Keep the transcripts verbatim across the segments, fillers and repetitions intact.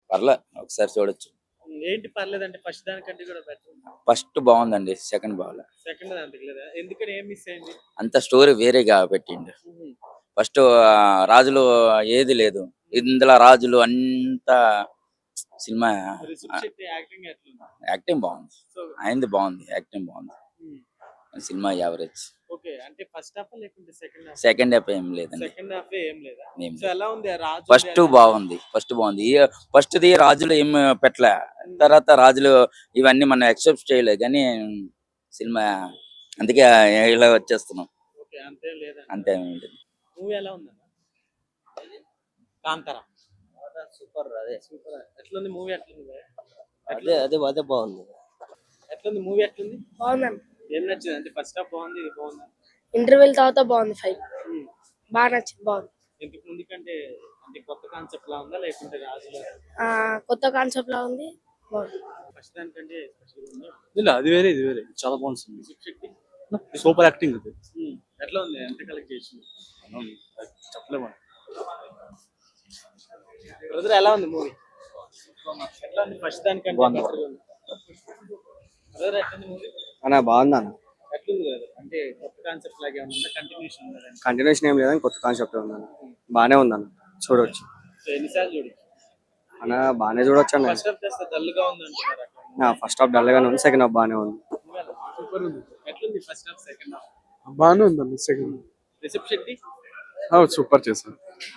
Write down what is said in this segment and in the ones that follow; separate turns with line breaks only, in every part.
పర్లే ఒకసారి చూడొచ్చు.
ఏంటి పర్లేదంటే ఫస్ట్ దానికంటే కూడా బెటర్.
ఫస్ట్ బాగుందండి, సెకండ్ బాగాలే.
సెకండ్ దానికి లేదా ఎందుకని ఏం మిస్ అయింది?
అంత స్టోరీ వేరేగా పెట్టిండు. ఫస్ట్ రాజులు ఏది లేదు, ఇందులో రాజులు అంతా సినిమా
రిషబ్ శెట్టి యాక్టింగ్ ఎట్లుంది?
యాక్టింగ్ బాగుంది,
సో
ఆయనది బాగుంది, యాక్టింగ్ బాగుంది. Cinema average.
ఓకే, అంటే ఫస్ట్ హాఫ్ లేకుంటే సెకండ్ హాఫ్?
సెకండ్ హాఫ్ ఏం లేదండి,
సెకండ్ హాఫ్ ఏం లేదా?
ఏం
సో ఎలా ఉంది ఆ రాజు?
ఫస్ట్ బాగుంది, ఫస్ట్ బాగుంది. ఫస్ట్ ది రాజులు ఏం పెట్టలే, తర్వాత రాజులు ఇవన్నీ మనం ఎక్సెప్ట్ చేయలేదు కానీ సినిమా అందుకే ఇలా వచ్చేస్తున్నాం.
ఓకే, అంతే లేదా?
అంతే.
మూవీ ఎలా ఉంది? కాంతారా
సూపర్. అదే
సూపర్. ఎట్లుంది మూవీ? ఎట్లుంది?
అదే అదే అదే బాగుంది.
ఎట్లుంది మూవీ? ఎట్లుంది?
బాగుందండి.
ఏం నచ్చింది? అంటే ఫస్ట్ హాఫ్ బాగుంది, ఇది బాగుంది.
ఇంటర్వెల్ తర్వాత బాగుంది ఫైట్, బాగా నచ్చింది, బాగుంది.
ఇంతకు ముందు కంటే అంటే కొత్త కాన్సెప్ట్ లా ఉందా లేకుంటే రాజులా?
ఆ కొత్త కాన్సెప్ట్ లా ఉంది, బాగుంది.
ఫస్ట్ దానికంటే స్పెషల్ ఉందా?
ಇಲ್ಲ ಅದು వేరే ఇది వేరే చాలా బాగుంది cinema.
Rishab Shetty
super acting ఇది.
ఎట్లా ఉంది? ఎంత కలెక్ట్ చేసింది?
చెప్పలేము.
బ్రదర్ ఎలా ఉంది మూవీ? ఎట్లా ఉంది? ఫస్ట్ దానికంటే better ఉంది. బ్రదర్ ఎట్లా ఉంది మూవీ?
అన్న బాగుంది అన్న.
ఎట్లుంది బ్రదర్? అంటే కొత్త కాన్సెప్ట్ లాగే ఉందా, కంటిన్యూషన్ ఉందా?
కంటిన్యూషన్ ఏం లేదని కొత్త కాన్సెప్ట్ ఉందన్న, బాగానే ఉందన్న, చూడవచ్చు
సో ఎన్నిసార్లు చూడు?
అన్న. బాగానే చూడొచ్చు అన్న.
ఫస్ట్ హాఫ్ చేస్తే డల్ గా ఉంది అంటున్నారు అక్కడ.
ఫస్ట్ హాఫ్ డల్ గానే ఉంది, సెకండ్ హాఫ్ బాగానే ఉంది.
సూపర్ ఉంది. ఎట్లుంది ఫస్ట్ హాఫ్ సెకండ్ హాఫ్?
బాగానే ఉందండి సెకండ్.
రిషబ్ శెట్టి
సూపర్ చేశారు.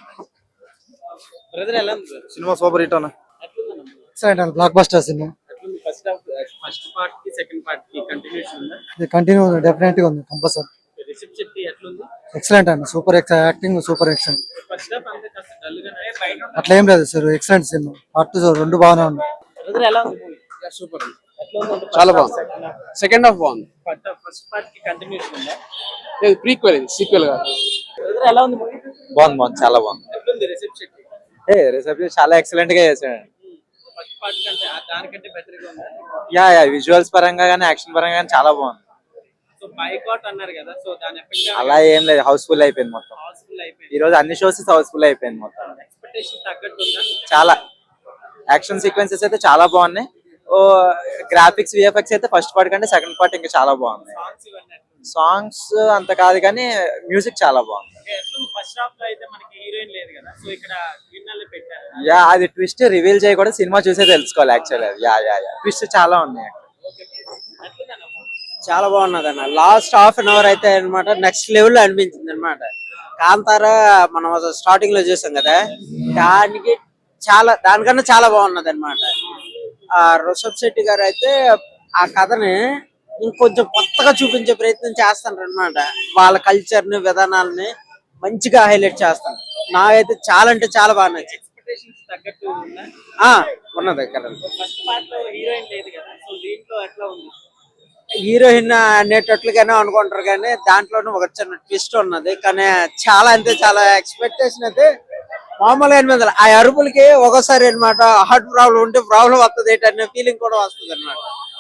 బ్రదర్ ఎలా ఉంది?
సినిమా సూపర్ హిట్ అన్న.
ఎట్లుంది?
బ్లాక్ బస్టర్ సినిమా
ఎట్లుంది? ఫస్ట్ హాఫ్ ఫస్ట్ పార్ట్ కి సెకండ్ పార్ట్ కి కంటిన్యూషన్ ఉందా?
ఇది కంటిన్యూ డెఫినెట్ గా ఉంది, కంపల్సరీ.
రిషబ్ శెట్టి ఎట్లుంది?
ఎక్సలెంట్ అండి, super acting, super excellent.
First half అంతే కాస్త డల్ గా
అట్లా ఏం లేదు సార్, ఎక్సలెంట్ సినిమా. పార్ట్ టూ రెండు బాగానే ఉంది.
బ్రదర్ ఎలా ఉంది మూవీ?
సూపర్
ఎట్లా ఉంది?
చాలా బాగుంది. సెకండ్ హాఫ్ బాగుంది.
ఫస్ట్ ఫస్ట్ పార్ట్ కి కంటిన్యూషన్ ఉందా?
ప్రీక్వెల్ ఇది, సీక్వెల్ గా.
బ్రదర్ ఎలా ఉంది మూవీ?
బాగుంది బాగుంది, చాలా బాగుంది.
ఎట్లుంది రిషబ్ శెట్టి?
ఏ రిసెప్షన్ చాలా ఎక్సలెంట్ గా చేశాడు.
ఫస్ట్ పార్ట్ కంటే ఆ దానికంటే బెటర్ గా ఉందా?
యా యా విజువల్స్ పరంగా కానీ యాక్షన్ పరంగా కానీ చాలా బాగుంది.
సో బైకాట్ అన్నారు కదా, సో దాని ఎఫెక్ట్
అలా ఏం లేదు, హౌస్ఫుల్ అయిపోయింది మొత్తం.
హౌస్ఫుల్ అయిపోయింది.
ఈ రోజు అన్ని షోస్ హౌస్ఫుల్ అయిపోయింది మొత్తం.
ఎక్స్పెక్టేషన్ తగ్గట్టు ఉందా?
చాలా యాక్షన్ సీక్వెన్సెస్ అయితే చాలా బాగున్నాయి. ఓ గ్రాఫిక్స్ విఎఫ్ఎక్స్ అయితే ఫస్ట్ పార్ట్ కంటే సెకండ్ పార్ట్ ఇంకా చాలా బాగుంది.
సాంగ్స్ ఇవన్నీ ఎట్లుంది?
సాంగ్స్ అంత కాదు కానీ మ్యూజిక్ చాలా బాగుంది.
ఎట్లుంది? ఫస్ట్ హాఫ్ లో అయితే మనకి హీరోయిన్ లేదు కదా, సో ఇక్కడ విన్నర్లు పెట్టారు.
యా అది ట్విస్ట్ రివీల్ చేయకూడదు, సినిమా చూసే తెలుసుకోవాలి actual. Yeah yeah yeah twist చాలా ఉన్నాయి.
ఎట్లుందన్న మూవీ?
చాలా బాగున్నది అన్న. లాస్ట్ హాఫ్ అన్ అవర్ అయితే అనమాట నెక్స్ట్ లెవెల్ లో అనిపించింది అనమాట. కాంతారా మనం స్టార్టింగ్ లో చూసాం కదా, దానికి చాలా దానికన్నా చాలా బాగున్నది అనమాట. ఆ రిషబ్ శెట్టి గారు అయితే ఆ కథని ఇంకొంచెం కొత్తగా చూపించే ప్రయత్నం చేస్తాను అనమాట. వాళ్ళ కల్చర్ ని విధానాలని మంచిగా హైలైట్ చేస్తాను. నాకైతే చాలా అంటే చాలా బాగా నచ్చింది.
ఎక్స్పెక్టేషన్స్ తగ్గట్టు ఉందా?
ఆ ఉన్నది కదా.
ఫస్ట్ పార్ట్ లో హీరోయిన్ లేదు కదా, సో దీంట్లో ఎట్లా ఉంది?
హీరోయిన్ అనేటట్లుగానే అనుకుంటారు కానీ దాంట్లోనూ ఒక చిన్న ట్విస్ట్ ఉన్నది. కానీ చాలా అంటే చాలా ఎక్స్పెక్టేషన్ అయితే మామూలుగా మీద ఆ అరుపులకి ఒకసారి అనమాట హార్ట్ ప్రాబ్లం ఉంటే ప్రాబ్లం వస్తుంది అనే ఫీలింగ్ కూడా వస్తుంది అనమాట.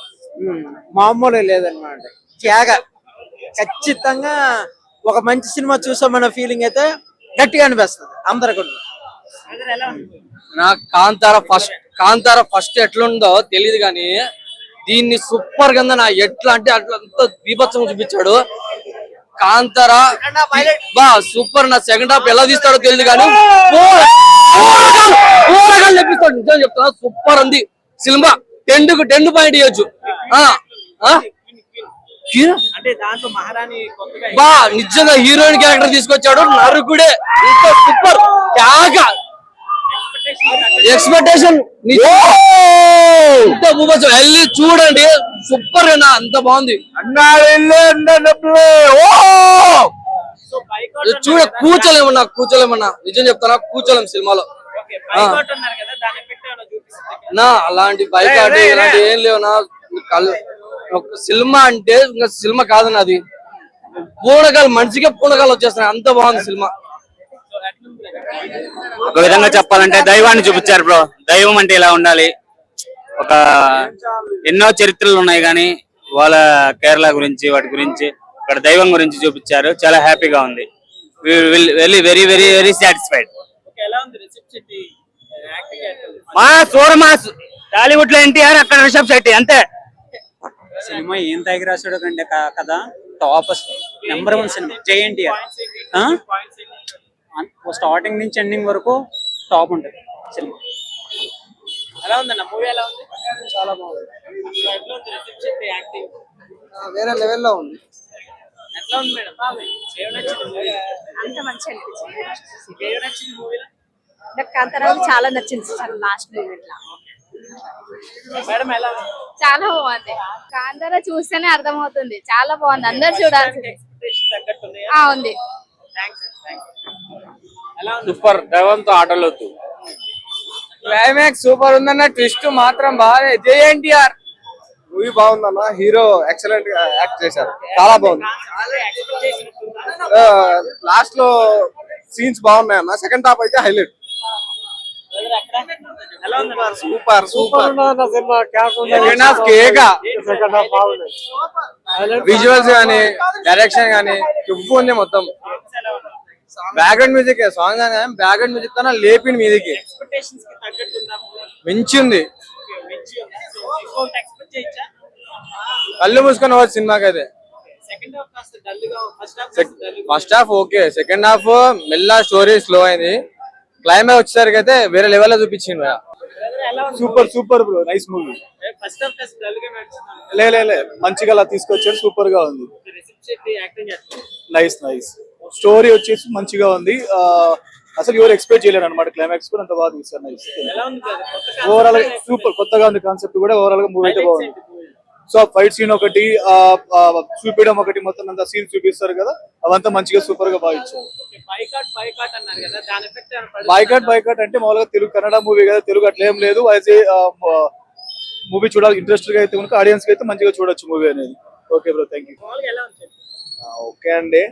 మామూలుగా లేదనమాట. త్యాగ ఖచ్చితంగా ఒక మంచి సినిమా చూసామన్న ఫీలింగ్ అయితే గట్టిగా అనిపిస్తుంది అందరికీ.
బ్రదర్ ఎలా ఉంది?
నాకు కాంతార ఫస్ట్ కాంతార ఫస్ట్ ఎట్లుందో తెలియదు కానీ దీన్ని సూపర్ గా నా ఎట్లా అంటే అట్లా అంత బీభత్సంగా చూపించాడు. కాంతార బా సూపర్. నా సెకండ్ హాఫ్ ఎలా తీస్తాడో తెలియదు కానీ తెప్పిస్తాడు. నిజం చెప్తున్నా, సూపర్ ఉంది సినిమా. టెన్ కు టెన్ పాయింట్ ఇవ్వచ్చు.
అంటే దాంట్లో మహారాణి కొత్తగా
బా నిజంగా హీరోయిన్ క్యారెక్టర్ తీసుకొచ్చాడు. నరుకుడే ఇంత సూపర్. క్యాగా ఎక్స్పెక్టేషన్ వెళ్ళి చూడండి, సూపర్ అయినా అంత బాగుంది.
సో బైకాట్
చూడ కూర్చోలేమన్నా కూర్చోలేమన్నా నిజం చెప్తానా, కూర్చోలేం సినిమాలో.
ఓకే, బైకాట్ అన్నారు కదా, దాని ఎఫెక్ట్ ఏమైనా చూపిస్తుంది?
నా అలాంటి బైకాట్ ఇలాంటి ఏం లేవునా. సినిమా అంటే ఇంకా సినిమా కాదన్న, అది పూనకాలు మనిషికే పూనకాలు వచ్చేస్తున్నాయి. అంత బాగుంది సినిమా.
ఒక విధంగా చెప్పాలంటే దైవాన్ని చూపించారు బ్రో. దైవం అంటే ఇలా ఉండాలి. ఒక ఎన్నో చరిత్రలు ఉన్నాయి కానీ వాళ్ళ కేరళ గురించి వాటి గురించి ఇక్కడ దైవం గురించి చూపించారు. చాలా హ్యాపీగా ఉంది. Very very very very satisfied.
Okay, ఎలా ఉంది రిషబ్ శెట్టి యాక్టింగ్ ఎట్లుంది
మా సూర మాస్ టాలీవుడ్ లో ఎన్టీఆర్ అక్కడ రిషబ్ శెట్టి అంతే.
సినిమా ఏం తగిరి రాశాడు కంటే కదా టాప్ నెంబర్ వన్ సినిమా జై ఎన్టీఆర్. స్టార్టింగ్ నుంచి ఎండింగ్ వరకు టాప్ ఉంటుంది సినిమా.
ఎలా ఉందన్న మూవీ ఎలా ఉంది? చాలా బాగుంది. ఎట్లా ఉంది రిషబ్ శెట్టి యాక్టింగ్?
వేరే లెవెల్లో ఉంది.
ఎట్లా ఉంది మేడం? ఏం నచ్చింది మూవీ?
అంత మంచి అనిపించింది.
ఏం నచ్చింది మూవీలో?
నాకు కాంతారావు చాలా నచ్చింది సార్ లాస్ట్ మూమెంట్.
మేడం ఎలా ఉంది?
చాలా బాగుంది. కాంతారా చూస్తేనే అర్థమవుతుంది, చాలా బాగుంది. అందరు చూడాల్సింది.
ఎక్స్పెక్టేషన్ తగ్గట్టు ఉన్నాయా?
ఆ ఉంది.
Thanks thanks. ఎలా ఉంది?
సూపర్ దైవంతో ఆటలొద్దు. క్లైమాక్స్ సూపర్ ఉందన్న, ట్విస్ట్ మాత్రం బాగా. జై ఎన్టీఆర్
మూవీ బాగుందన్న, హీరో ఎక్సలెంట్ గా యాక్ట్ చేశారు, చాలా బాగుంది.
చాలా ఎక్స్పెక్ట్ చేసినట్టు
లాస్ట్ లో సీన్స్ బాగున్నాయి అన్న, సెకండ్ హాఫ్ అయితే హైలైట్.
ఎలా ఉంది?
సూపర్ సూపర్
సెకండ్ హాఫ్ కేక. విజువల్స్ గానీ డైరెక్షన్ గానీ చుప్పు ఉంది మొత్తం. బ్యాక్గ్రౌండ్ మ్యూజిక్ సాంగ్ కానీ బ్యాక్గ్రౌండ్ మ్యూజిక్ తన లేపింది మీదికి
ఎక్స్పెక్టేషన్స్ కి తగ్గట్టు ఉందా మూవీ?
మించింది.
మంచి ఉంది. సో ఇంకొకటి ఎక్స్పెక్ట్ చేయొచ్చా?
కళ్ళు మూసుకొని వచ్చి సినిమాకి అయితే.
సెకండ్ హాఫ్ కాస్త డల్ గా, ఫస్ట్ హాఫ్ కాస్త డల్ గా.
First half okay, second half మెల్ల స్టోరీ స్లో అయింది. క్లైమాక్స్ వచ్చేసరికి అయితే వేరే లెవెల్ లో చూపించింది.
ఎలా ఉంది?
Super super bro, nice movie.
First half కాస్త డల్ గా నడుచున్నాను.
లే లే లే మంచిగా అలా తీసుకొచ్చారు, సూపర్ గా ఉంది.
రిషబ్ శెట్టి యాక్టింగ్ ఎట్లా?
నైస్ నైస్ స్టోరీ వచ్చేసి మంచిగా ఉంది. ఆ, అసలు ఎవరు ఎక్స్పెక్ట్ చేయలేరు అనమాట, క్లైమాక్స్ కూడా అంత బాగా తీస్తారు. నైస్
ఎలా ఉంది కదా? కొత్త
ఓవరాల్ సూపర్, కొత్తగా ఉంది కాన్సెప్ట్ కూడా. ఓవరాల్ గా మూవీ అయితే బాగుంది. సో ఫైట్ సీన్ ఒకటి, ఆ, ఆ, చూపించడం ఒకటి, మొత్తం అంతా సీన్ చూపిస్తారు కదా, అవంతా మంచిగా సూపర్ గా బాగా ఇచ్చారు.
బైకాట్ బైకాట్ అన్నారు కదా, దాని ఎఫెక్ట్ ఏమైనా పడుతుందా?
బాయ్కాట్ బాయ్కాట్ అంటే మామూలుగా తెలుగు కన్నడ మూవీ కదా, తెలుగు అట్లా ఏం లేదు. యాజ్ ఏ మూవీ చూడాలి ఇంట్రెస్ట్ గా అయితే కనుక ఆడియన్స్ కి అయితే మంచిగా చూడొచ్చు మూవీ అనేది. Okay bro, thank you.
మామూలుగా ఎలా ఉంది?
ఓకే అండి,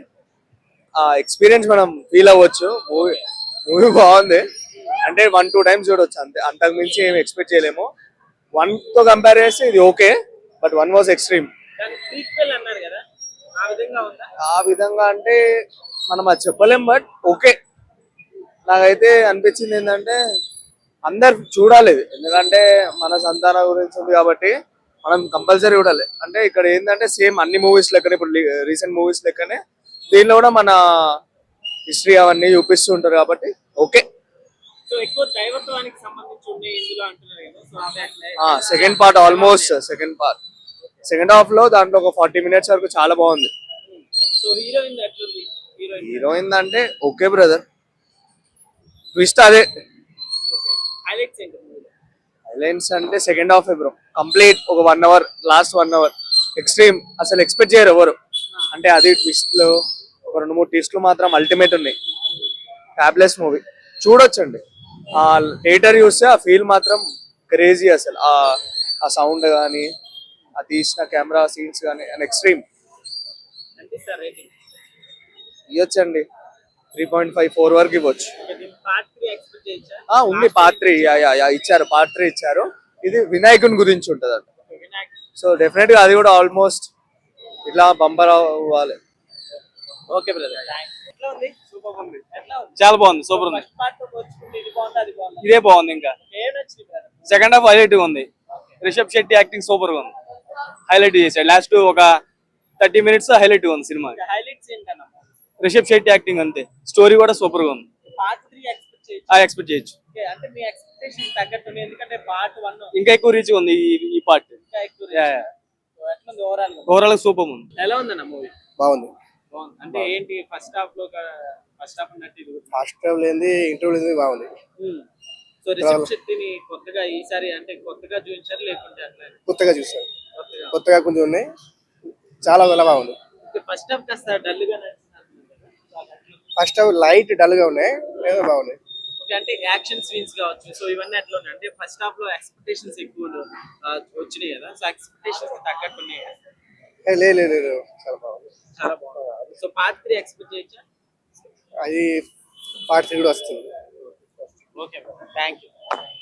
ఆ ఎక్స్పీరియన్స్ మనం ఫీల్ అవ్వచ్చు. మూవీ మూవీ బాగుంది అంటే వన్ టూ టైమ్స్ చూడొచ్చు అంతే, అంతకు మించి ఏమి ఎక్స్పెక్ట్ చేయలేము. వన్ తో కంపేర్ చేస్తే ఇది okay, but one was extreme.
దాని ప్రీక్వెల్ అన్నారు కదా, ఆ విధంగా ఉందా?
ఆ విధంగా అంటే మనం అది చెప్పలేం, బట్ ఓకే. నాకైతే అనిపించింది ఏంటంటే అందరు చూడాలి ఇది, ఎందుకంటే మన సంతానం గురించి ఉంది కాబట్టి మనం కంపల్సరీ చూడాలి. అంటే ఇక్కడ ఏంటంటే సేమ్ అన్ని మూవీస్ లెక్కనే, ఇప్పుడు రీసెంట్ మూవీస్ లెక్కనే దీనిలో కూడా మన హిస్టరీ అవన్నీ చూపిస్తూ ఉంటారు కాబట్టి ఓకే.
సో ఎక్కువ దైవత్వానికి సంబంధించి ఉన్నాయి ఇందులో అంటున్నారు కదా, సో అదే
second part almost second part second half లో దాంట్లో ఒక ఫార్టీ మినిట్స్ వరకు చాలా బాగుంది.
సో హీరోయిన్ ఎట్లుంది? హీరోయిన్
హీరోయిన్ అంటే ఓకే బ్రదర్, ట్విస్ట్ అదే.
హైలైట్స్ ఏంటి మూవీలో?
హైలైట్స్ అంటే సెకండ్ హాఫ్ బ్రో, కంప్లీట్ ఒక one hour, last one hour extreme, అసలు ఎక్స్పెక్ట్ చేయరు ఎవరు. అంటే అది ట్విస్ట్లు, ఒక రెండు మూడు ట్విస్ట్లు మాత్రం అల్టిమేట్ ఉన్నాయి. ఫ్యాబులస్ మూవీ, చూడొచ్చండి. ఆ థియేటర్ చూస్తే ఆ ఫీల్ మాత్రం క్రేజీ. అసలు ఆ ఆ సౌండ్ కానీ, ఆ తీసిన కెమెరా సీన్స్ కానీ అండ్ ఎక్స్ట్రీమ్.
అంటే సార్ రేటింగ్
ఇవ్వచ్చండి, త్రీ పాయింట్ ఫైవ్ ఫోర్ వరకు ఇవ్వచ్చు.
పార్ట్ త్రీ ఎక్స్పెక్ట్ చేయొచ్చా?
ఆ ఉంది పార్ట్ త్రీ, ఇచ్చారు పార్ట్ త్రీ ఇచ్చారు. ఇది వినాయకుని గురించి ఉంటుంది అంట,
వినాయక్.
సో డెఫినెట్ గా అది కూడా ఆల్మోస్ట్ ఇట్లా బంపర్ అవ్వాలి.
ఓకే బ్రదర్, ఎట్లా ఉంది? సూపర్ ఉంది. ఎట్లా ఉంది?
చాలా బాగుంది, సూపర్ ఉంది.
ఫస్ట్ పార్ట్ తో పోల్చుకుంటే ఇది బాగుంది, అది బాగుంది.
ఇదే బాగుంది. ఇంకా
ఏం నచ్చింది బ్రదర్?
సెకండ్ హాఫ్ హైలైట్ గా ఉంది. రిషబ్ శెట్టి యాక్టింగ్ సూపర్ గా ఉంది, హైలైట్ చేశాడు. లాస్ట్ ఒక థర్టీ మినిట్స్ హైలైట్ గా ఉంది సినిమా.
హైలైట్స్ ఏంటన్నా?
రిషబ్ శెట్టి యాక్టింగ్ అంతే, స్టోరీ కూడా సూపర్ గా ఉంది.
పార్ట్ త్రీ ఎక్స్పెక్ట్ చేయొచ్చు?
ఆ ఎక్స్పెక్ట్ చేయొచ్చు.
ఓకే, అంటే మీ ఎక్స్పెక్టేషన్ తగ్గట్టు ఉంది, ఎందుకంటే పార్ట్ వన్
ఇంకా ఎక్కువ రీచ్ ఉంది ఈ- ఈ పార్ట్.
ఇంకా ఎక్కువ reach. So, ఎట్లా ఉంది ఓవరాల్ గా?
ఓవరాల్ సూపర్ ఉంది.
ఎలా ఉందన్న మూవీ?
బాగుంది.
బాగుంది అంటే ఏంటి? ఫస్ట్ హాఫ్ లో ఫస్ట్ హాఫ్ ఉన్నట్టు ఇది కూడా.
ఫస్ట్ ట్రావెల్ ఏంది, ఇంటర్వ్యూ ఏంది, బాగుంది.
సో రిషబ్ శెట్టిని కొత్తగా ఈసారి అంటే కొత్తగా చూపించారు లేకుంటే అట్లా
కొత్తగా చూసాను,
కొత్తగా?
కొత్తగా కొంచెం ఉన్నాయి, చాలా చాలా బాగుంది.
ఫస్ట్ హాఫ్ కాస్త డల్ గా
ఫస్ట్ లైట్ డల్ గా ఉన్నాయి, ఏదో బాగున్నాయి.
ఓకే, అంటే యాక్షన్ సీన్స్ కావచ్చు, సో ఇవన్నీ ఎట్లా ఉన్నాయి? అంటే ఫస్ట్ హాఫ్ లో ఎక్స్పెక్టేషన్స్ ఎక్కువ ఆ, వచ్చినాయి కదా, సో ఎక్స్పెక్టేషన్స్ తగ్గట్టు ఉన్నాయి కదా?
ఏ, లే లే, లేదు, చాలా బాగుంది.
చాలా బాగుంది. సో పార్ట్ త్రీ ఎక్స్పెక్ట్ చేయొచ్చా?
అది పార్ట్ త్రీ కూడా వస్తుంది.
Okay, thank you.